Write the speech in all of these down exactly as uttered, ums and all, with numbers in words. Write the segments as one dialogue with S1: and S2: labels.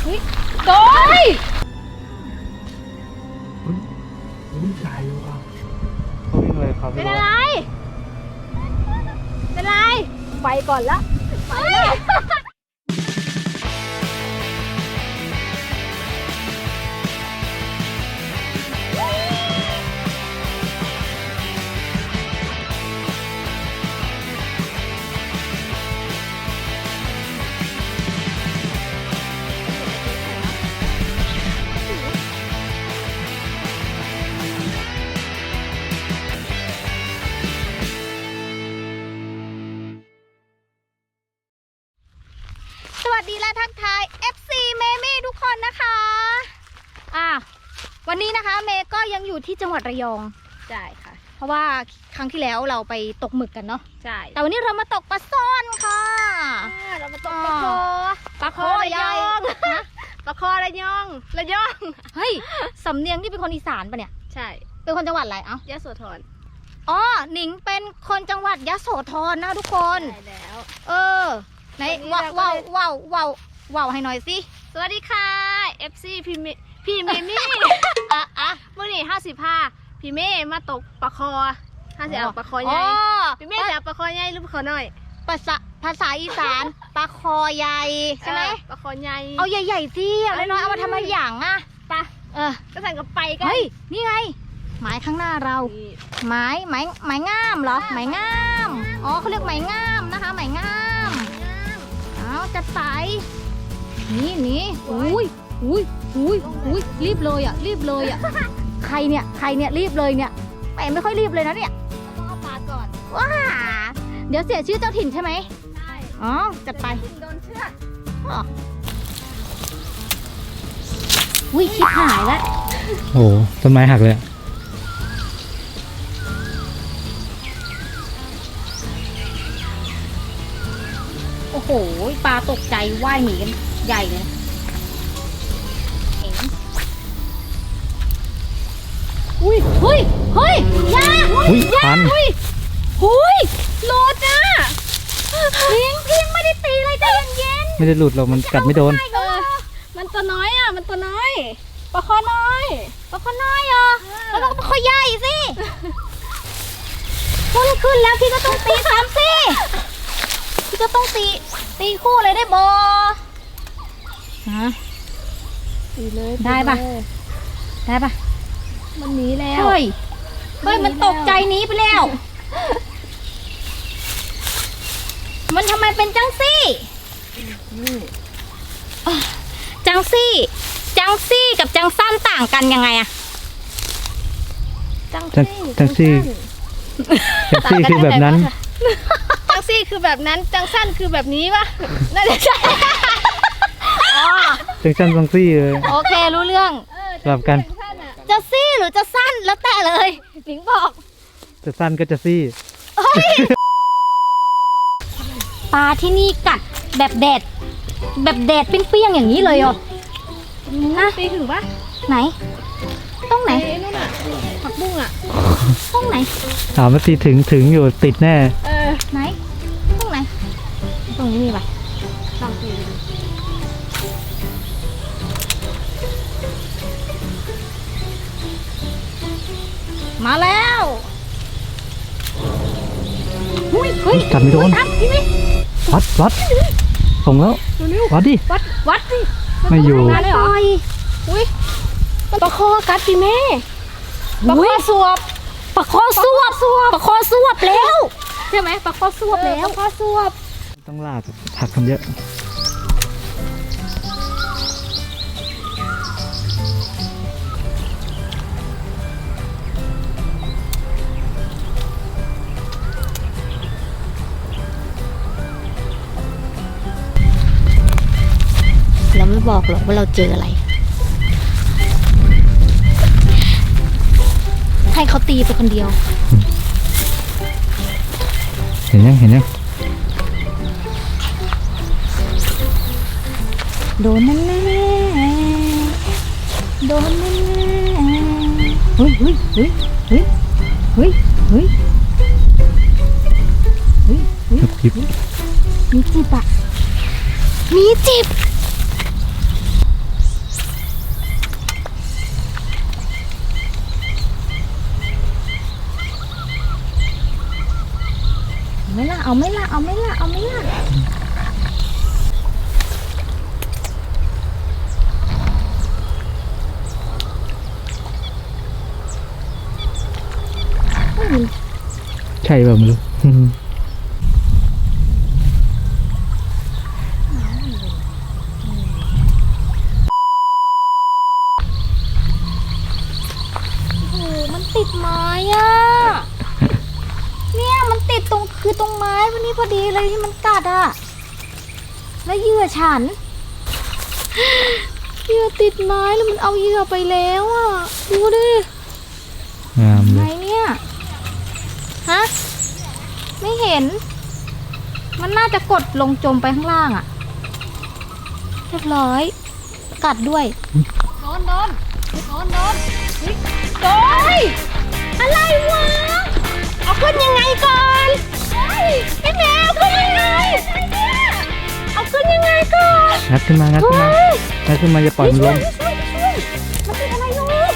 S1: เฮ้ยโดย
S2: วิ่งใจว่ะเขาวิ่งเลยครับ
S1: เป็นอะไรเป็นอะไรไปก่อนละไปเลยสวัสดีและทักทาย เอฟ ซี เมมี่ทุกคนนะคะอ่ะวันนี้นะคะเมย์ก็ยังอยู่ที่จังหวัดระยองใช่ค่ะเพราะว่าครั้งที่แล้วเราไปตกหมึกกันเนาะใช่แต่วันนี้เรามาตกปลาซ่อนค่ะเรามาตกปลาคอปลาคอระยองปลาคอระยองระยองเฮ้ยสำเนียงที่เป็นคนอีสานปะเนี่ยใช่เป็นคนจังหวัดอะไรเอ้ายะโสธรอ๋อหนิงเป็นคนจังหวัดยะโสธรนะทุกคนใช่แล้วเออไหนว้าวว้าวว้าวว้าวว้าวให้หน่อยสิสวัสดีค่ะ เอฟ ซี พี่เมพี่เมมี่อ่ะอ่ะเมื่อนี่ห้าสิบห้าพี่เมย์มาตกปลาคอห้าสิบเอาปลาคอใหญ่พี่เมย์จะปลาคอใหญ่หรือปลาคอน้อยภาษาภาษาอีสานปลาคอใหญ่ใช่ไหมปลาคอใหญ่เอาใหญ่ๆสิเอาน้อยๆเอามาทำอะไรอย่างอ่ะปะเออก็สั่งกับไปกันเฮ้ยนี่ไงหมายข้างหน้าเราหมายหมายหมายง่ามเหรอหมายง่ามอ๋อเขาเรียกหมายง่ามนะคะหมายง่ามเอาจะใส่นี่นี่อุ้ยอุ้ยอุ้ยอุ้ยรีบเลยอ่ะรีบเลยอ่ะใครเนี่ยใครเนี่ยรีบเลยเนี่ยแหมไม่ค่อยรีบเลยนะเนี่ยต้องเอาปลาก่อนว้าเดี๋ยวเสียชื่อเจ้าถิ่นใช่ไหมใช่อ๋อจัดไปโดนเชือกอุ้ยคิดหายแล้ว
S2: โอ้ต้นไม้หักเลย
S1: โอ้โหปลาตกใจว่ายหนีกันใหญ่เลยอุ้ยเฮ้ยเฮ้ยยา
S2: อุ้ยพัน
S1: อุ้ยอุ้ยหลุดอ่ะพิงพิงไม่ได้ตีเลยใจเย็น
S2: ไม่ได้หลุดหรอกมันกัดไม่โดน
S1: เออมันตัวน้อยอ่ะมันตัวน้อยปลาคอน้อยปลาคอน้อยอ่ะแล้วก็ปลาคอใหญ่สิพุ่งขึ้นแล้วพี่ก็ต้องตีสามสิพี่ก็ต้องตีตีคู่เลยได้บอฮะตีเลยได้ปะได้ปะมันหนีแล้วเฮ้ยเฮ้ยมันตกใจหนีไปแล้วมันทำไมเป็นจังซี่จังซี่จังซี่กับจังสั้นต่างกันยังไงอะ
S2: จังซี่จังซี่จังซี่คือแบบนั้น
S1: จังซี่คือแบบนั้นจังสั้นคือแบบนี้ปะน่าจะใช่
S2: จังสั้นจังซี่เลย
S1: โอเครู้เรื่อง
S2: สลับกัน
S1: จะซี่หรือจะสั้นแล้วแต่เลยหนิงบอก
S2: จะสั้นก็จะซี่
S1: ปลาที่นี่กัดแบบแดดแบบแดดเปรี้ยงๆอย่างนี้เลยเหรอนะตีถึงปะไหนต้องไหนนู่นอ่ะผักบุ้งอ่ะต้องไหน
S2: ถามว่าตีถึงถึงอยู่ติดแน่
S1: เออไหนต้องไหนตรงนี้มีปะลองตีมาแล้วหุ้ยเฮ้ย
S2: จับไม่โดน
S1: พี่มิ
S2: วัดวัดส่งแล้ววัดดิ
S1: วัดวัดดิ
S2: ไม่อยู่
S1: เลยเหรออุ้ยปลาคอกัดพี่แม่ปลาคอสวบปลาคอสวบปลาคอสวบแล้วใช่ไหมปลาคอสวบแล้วปลาคอสวบ
S2: ต้องลากผักกันเยอะ
S1: เราไม่บอกหรอกว่าเราเจออะไรให้เขาตีไปคนเดียว
S2: เห็นยังเห็นยัง
S1: โดนแน่โดนแน่เฮ้ยเฮ้ยเฮ้ยเฮ้ยเฮ้ยเฮ้ยเฮ้ยเฮ้ยมีจิบอะมีจิบ
S2: ช่แบบไม่รู้
S1: โอ้โหมันติดไม้อ่ะ เนี่ยมันติดตรงคือตรงไม้วันนี้พอดีเลยที่มันกัดอ่ะ แล้วเหยื่อฉัน เหยื่อติดไม้แล้วมันเอาเหยื่อไปแล้วอ่ะ ดูดิ
S2: งามเล
S1: ไหน
S2: ย
S1: เนี่ย ฮะ ไม่เห็น มันน่าจะกดลงจมไปข้างล่างอ่ะ เรียบร้อย กัดด้วย โดนโดนโดนโดนโดนอะไรวะ เอาขึ้นยังไงก่อนพี่แมวขึ้นยังไงเอาขึ้นยังไงก่อน
S2: งัดขึ้นมางัดขึ้นมางัดขึ้นมาจะปล่อยมันลง
S1: ช่วยช่วยมันเป็นอะไรลูก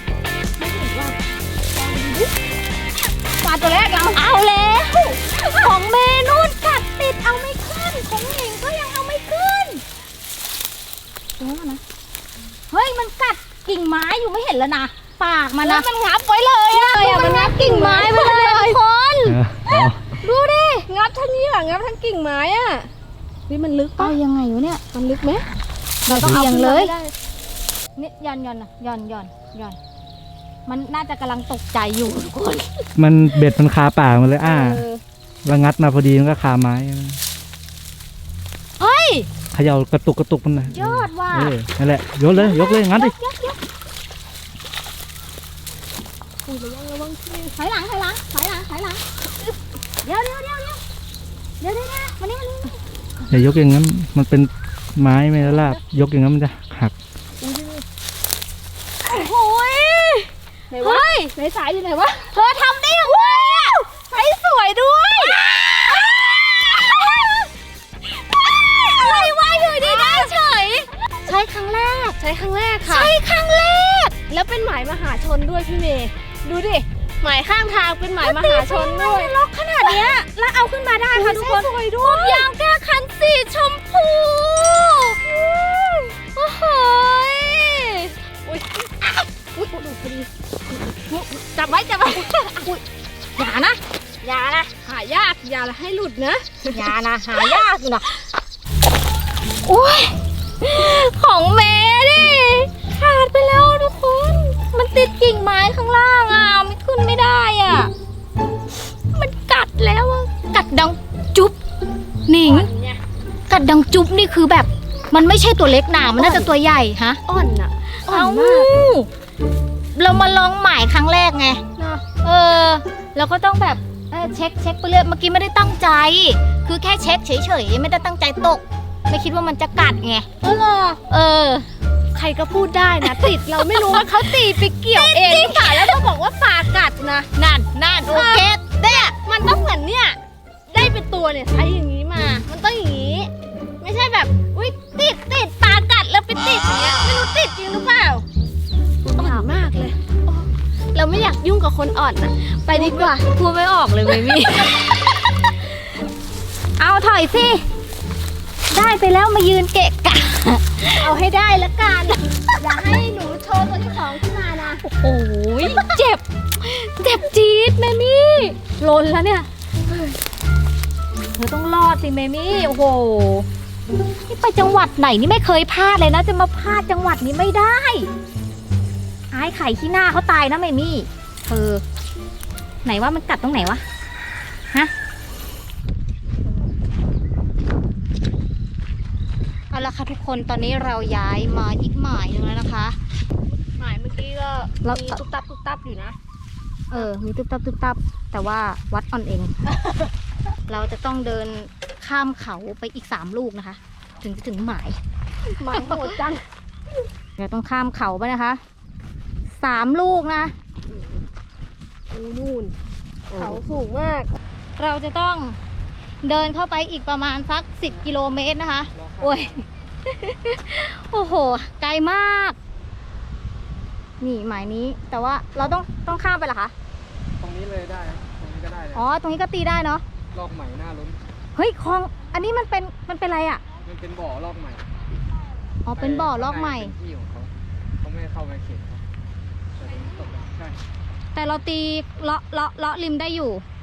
S1: ปลาตัวแรกเราเอาแล้วของเมนูนกัดติดเอาไม่ขึ้นของหญิงก็ยังเอาไม่ขึ้นเดี๋ยวนะเฮ้ยมันกัดกิ่งไม้อยู่ไม่เห็นแล้วนะปากมันนะมันงับไว้เลยอะมันงับกิ่งไม้ไปเลยทุกคน
S2: เออเอา
S1: ดูดิ
S3: งับทั้งนี้อ่ะงับทั้งกิ่งไม้อ่ะนี่มันลึก
S1: เอา
S3: ปะ
S1: ยังไงวะเนี่ย
S3: มันลึกไหม
S1: เราต้องเอา
S3: ขึ้น
S1: เล
S3: มาย ให้ได้
S1: นี่ย่อนย่อนนะย่อนย่อนย่อนมันน่าจะกำลังตกใจอยู่ทุกคน
S2: มันเบ็ดมันคาปากมันเลยอ่า
S1: เออ
S2: แล้วงัดมาพอดีมันก็คาไม้
S1: เฮ้ย
S2: เขย่ากระตุกกระตุกมันนะ
S1: ยอดว่ะ
S2: เออนั่นแหละยกเลยยกเลยงัดดิ
S1: ยกยก
S3: อุ้ยระวังระวังที่
S1: ถอยหลังถอยหลังถอยหลังถอยหลังเดี๋ยวเดี๋ยวเดี๋ยวเดี๋ยวเดี๋ยวเดี๋ยวมานี่มานี่
S2: อย่ายกอย่างนั้นมันเป็นไม้ไม่ละลาบยกอย่างนั้นมันจะหัก
S1: โอ้ย
S3: ไหนวะ
S1: เฮ้ย
S3: ไหนสายอยู่ไหนวะ
S1: เธอทำได้ยังไงอะใช้สวยด้วยอะไรวะอยู่ดีได้เฉยใช้ครั้งแรก
S3: ใช้ครั้งแรกค่ะ
S1: ใช้ครั้งแรก
S3: แล้วเป็นหมายมหาชนด้วยพี่เมย์ดูดิหมายข้างทางเป็นหมายมหาชนด้วย
S1: ล็อกขนาดเนี้ยแล้วเอาขึ้นมาได้ค่ะทุกคน
S3: สวยด้วย
S1: ยางแก้คันสีชมพูโอ้โหย
S3: อุ้ยอุ้ยดูพอดีจับไว้จับไว้อุ้ย
S1: อย่านะ
S3: อย่านะหายากอย่าให้หลุดนะ
S1: อย่านะหายากอยู่นะโอ้ยของเมดิขาดไปแล้วทุกคน มันติดกิ่งไม้ข้างล่างอ่ะไม่ขึ้นไม่ได้อ่ะ มันกัดแล้วอะกัดดังจุ๊บหนิง
S3: เนี่ย
S1: กัดดังจุ๊บนี่คือแบบ มันไม่ใช่ตัวเล็กหนามันน่าจะตัวใหญ่ฮะ
S3: อ่อนอ่ะอ่อ
S1: เอา
S3: นมาก
S1: เรามาลองหมายครั้งแรกไง
S3: เนาะ
S1: เออเราก็ต้องแบบเออเช็คเช็คไปเรื่อยเมื่อกี้ไม่ได้ตั้งใจ คือแค่เช็คเฉยๆไม่ได้ตั้งใจตก ไม่คิดว่ามันจะกัดไง
S3: เออเหรอ
S1: เออ
S3: ใครก็พูดได้นะ ติดเราไม่รู้ว่าเขาตีไปเกี่ยวเองหรือเปล่าแล้วก็บอกว่าปลากัดนะ
S1: นั่นนั่นโอเค
S3: เนี่ยมันต้องเหมือนเนี่ยได้เป็นตัวเนี่ยใช้อย่างนี้มา มันต้องอย่างนี้ ไม่ใช่แบบอุ้ยติดติดปลากัดแล้วไปติดอย่างเงี้ยไม่รู้ติดจริงหรือเปล่าอ่อนมากเลยโอ้เราไม่อยากยุ่งกับคนอ่อนนะไปดีกว่า
S1: พูดไม่ออกเลยเมมี่ เอาถอยสิ ได้ไปแล้วมายืนเกะกะ
S3: เอาให้ได้ละกันอย่าให้หนูโชว์ตัวที่สองขึ้นมานะ
S1: โอ้ยเจ็บ เจ็บจี๊ดเมมี่ลนแล้วเนี่ย เธอต้องรอดสิเมมี่ โอ้โห นี่ไปจังหวัดไหนนี่ไม่เคยพลาดเลยนะ จะมาพลาดจังหวัดนี้ไม่ได้อายไข่ขี้หน้าเขาตายนะเมมี่เธอไหนว่ามันกัดตรงไหนวะ ฮะ เอาละค่ะทุกคน ตอนนี้เราย้ายมาอีกหมายหนึงแล้วนะคะ
S3: หมายเมื่อกี้ก็
S1: แล้ว
S3: มีตุ๊บตับตุ๊บตับอยู่นะ
S1: เออ มีตุ๊บตับตุ๊บตับ แต่ว่าวัดออนเอง เราจะต้องเดินข้ามเขาไปอีกสามลูกนะคะ ถึงจะถึงหมาย
S3: หมายโหดจัง
S1: เราต้องข้ามเขาไปนะคะสามลูกนะ
S3: นู่นเขาสูงมาก
S1: เราจะต้องเดินเข้าไปอีกประมาณสักสิบกิโลเมตรนะคะ โอ้ย โอ้โห ไกลมาก นี่หมายนี้ แต่ว่าเราต้องต้องข้ามไปเหรอคะ
S2: ตรงนี้เลยได้ตรงนี้ก็ได้เลย
S1: อ๋อ ตรงนี้ก็ตีได้เนาะ
S2: ลอกใหม่หน้าล้น
S1: เฮ้ยคลอง อันนี้มันเป็น มันเป็นอะไรอ่ะ
S2: มันเป็นบ่อลอกใหม่
S1: อ๋อ เป็นบ่อลอกใหม่
S2: เป็นที่ของเขาเขาไม่เข้ามาเขตเขาแต่ตรงนี้ตกได้ใช่
S1: แต่เราตีเลาะเลาะเลาะริมได้อยู่
S2: ใ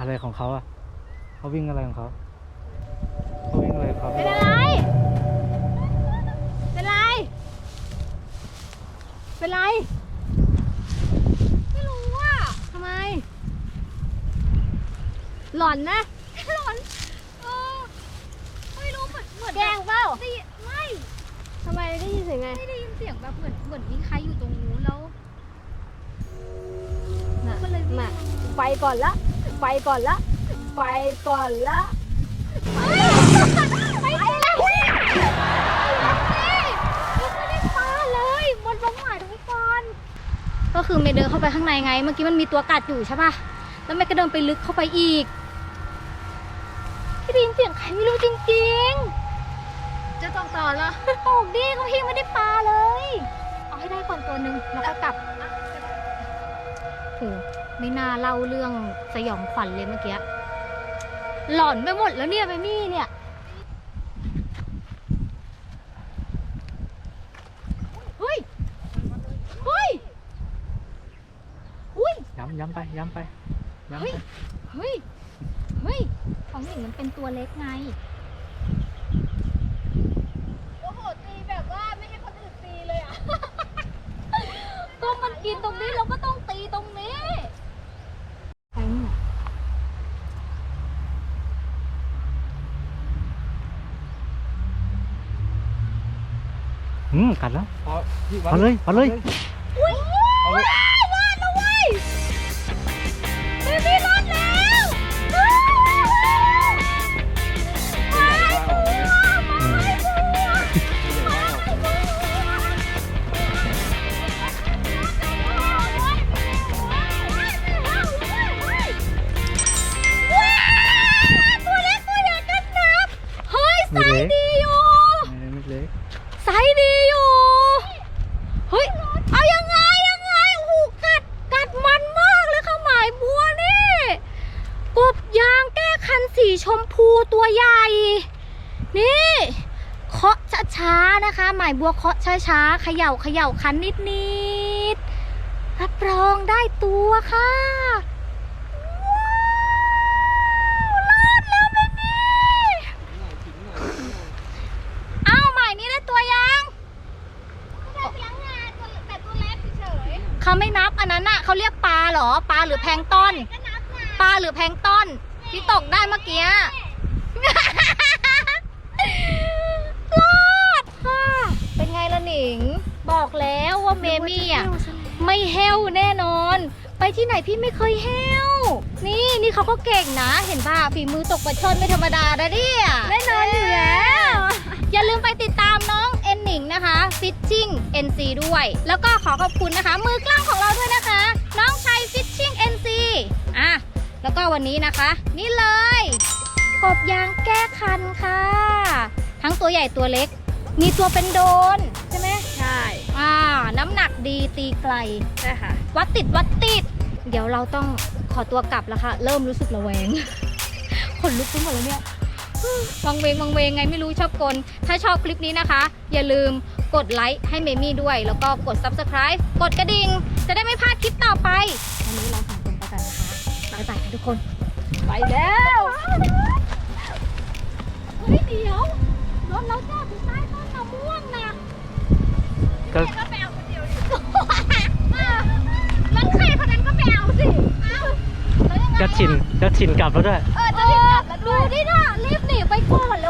S2: อะไรของเขาอะเขาวิ่งอะไรของเขาเขาวิ่งอะไรของเขา
S3: เป็นอะไร เป็นไร เป็นไร ไม่รู้ว่า
S1: ทำไม
S3: หลอนนะ
S1: หลอนเออไม่รู้เหมือนเหมือน
S3: แกล้งเปล่า
S1: ได้ยินไม่
S3: ทำไมได้ยินเสียงไง
S1: ไม่ได้ยินเสียงแบบเหมือนเหมือนมีใครอยู่ตรงนู้นแล้ว
S3: น่ะ
S1: ก็เลยวิ่ง
S3: น่ะไปก่อนละ ไปก่อนละ ไปก่อนละ
S1: ไปแล้วไม่ได้ปลาเลยบนบ้องหมายทุกคนก็คือเมย์เดินเข้าไปข้างในไง เมื่อกี้มันมีตัวกัดอยู่ใช่ป่ะแล้วเมย์ก็เดินไปลึกเข้าไปอีกพี่ได้ยินเสียงใครไม่รู้จริงๆจะต้องต่อเหรอโอ้ดีเขาพี่ไม่ได้ปลาเลยเอาให้ได้ก่อนตัวหนึ่งแล้วก็กลับโอ้ไม่น่าเล่าเรื่องสยองขวัญเลยเมื่อกี้หลอนไปหมดแล้วเนี่ยเมมี่เนี่ยเฮ้ยเฮ้ยอุ้ย
S2: ย้ำย้ำไปย้ำไปย้ำ
S1: เฮ้
S2: ไป
S1: ย เฮ้ย เฮ้ย ของหนิงมันเป็นตัวเล็กไง
S3: โอ้โห ตีแบบว่าไม่ให้คนอื่นตีเลยอ่ะ
S1: ก็มันกินตรงนี้เราก็ต้องตีตรงนี้ไปเนี่ย
S2: อืมกัดแล้ว
S4: พอพี่วัด
S2: เอาเลยเอาเลย
S1: อุ้ย
S4: เอาเลย
S1: รอดแล้วเว้ยเบบี้รอดแล้วเฮ้ยไปบัวไปบัว ตัวเล็กตัวใหญ่กันนับ เฮ้ยไซส์ดีอยู่
S2: ไม่เล็ก
S1: ไซส์ดีอยู่ เฮ้ย เอายังไงยังไง โอ้โห กัด กัดมันมากเลยค่ะหมายบัวนี่ กบยางแก้คันสีชมพูตัวใหญ่ นี่ เคาะช้าๆนะคะ หมายบัวเคาะช้าๆเขย่าเขย่าคันนิดๆรับรองได้ตัวค่ะ รอดแล้วเบบี้เอ้าหมายนี้ได้ตัวยัง
S3: ได้เพียงงานตัวแต่ตัวเล็กเฉย
S1: เขาไม่นับอันนั้นน่ะเขาเรียกปลาเหรอ ปลาหรือแพลงก์ต้น
S3: ๆก็นับนะ
S1: ปลาหรือแพลงก์ต้นที่ตกได้เมื่อกี้ รอดค่ะ เป็นไงล่ะหนิง บอกแล้วว่าเมมี่อ่ะ ไม่เฮลแน่นอน ไปที่ไหนพี่ไม่เคยเฮลนี่นี่เขาก็เก่งนะ เห็นป่ะฝีมือตกปลาช่อนไม่ธรรมดานะเนี่ยแน่นอนอยู่แล้ว อย่าลืมไปติดตามน้องเอ็นหนิงนะคะ Fishing เอ็น ซี ด้วย แล้วก็ขอขอบคุณนะคะ มือกล้องของเราด้วยนะคะ น้องชัย Fishing เอ็น ซี อ่ะ แล้วก็วันนี้นะคะ นี่เลย กบยางแก้คันค่ะ ทั้งตัวใหญ่ตัวเล็ก มีตัวเป็นโดนใช่ไหม
S3: ใช่
S1: อ่า น้ำหนักดีตีไกล
S3: ใช่ค่ะ
S1: วัดติดวัดติด เดี๋ยวเราต้องขอตัวกลับแล้วค่ะ เริ่มรู้สึกระแวง ขนลุกไปหมดแล้วเนี่ยวังเวงวังเวงไงไม่รู้ชอบกล ถ้าชอบคลิปนี้นะคะ อย่าลืมกดไลค์ให้เมมี่ด้วย แล้วก็กด ซับสไครบ์ กดกระดิ่ง จะได้ไม่พลาดคลิปต่อไป วันนี้เราสองคนไปกันนะคะบ๊ายบายค่ะทุกคน
S3: ไปแล้ว
S1: เฮ้ยเดี๋ยวรถเราจอดอยู่ใต้ต้นมะม่วงนะ
S2: ก็
S3: ก็ไปเอาคนเดียวดิ
S1: รถใครคนนั้นก็ไปเอาสิอ้าวแล้วยังไง
S2: จะ
S1: อะ
S2: ชินจะชินกลับแล้วด้วย
S1: เออจะรีบกลับแล้วดูดิน่ะรีบหนีไปก่อน